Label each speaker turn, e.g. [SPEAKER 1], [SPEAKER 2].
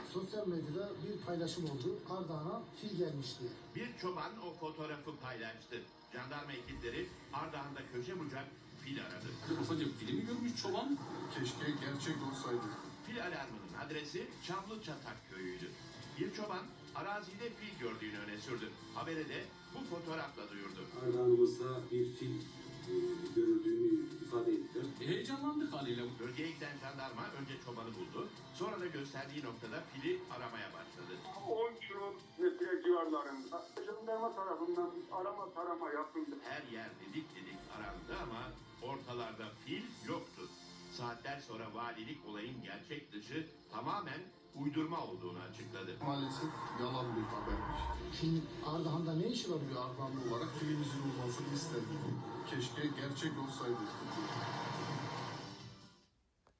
[SPEAKER 1] Sosyal medyada bir paylaşım oldu. Ardahan'a fil gelmiş diye.
[SPEAKER 2] Bir çoban o fotoğrafı paylaştı. Jandarma ekipleri Ardahan'da köşe bucak fil aradı.
[SPEAKER 3] Ufacık filmi görmüş çoban.
[SPEAKER 4] Keşke gerçek olsaydı.
[SPEAKER 2] Fil alarmının adresi Çamlıçatak köyüydü. Bir çoban arazide fil gördüğünü öne sürdü. Habere de bu fotoğrafla duyurdu.
[SPEAKER 5] Ardahan'ımızda bir fil görüldüğünü ifade ettiler.
[SPEAKER 3] Heyecanlandık haliyle.
[SPEAKER 2] Bölgeye giden jandarma önce çobanı buldu. Sonra da gösterdiği noktada fili aramaya başladı.
[SPEAKER 6] 10 kilometre civarlarında jandarma tarafından arama tarama yapıldı.
[SPEAKER 2] Her yer didik didik arandı ama ortalarda fil yoktu. Saatler sonra valilik olayın gerçek dışı tamamen uydurma olduğunu açıkladı.
[SPEAKER 4] Maalesef yalan bir habermiş.
[SPEAKER 1] Fil Ardahan'da ne işi var?
[SPEAKER 4] Bir Ardahanlı olarak filimizin olmasını isterdim. Keşke gerçek olsaydı.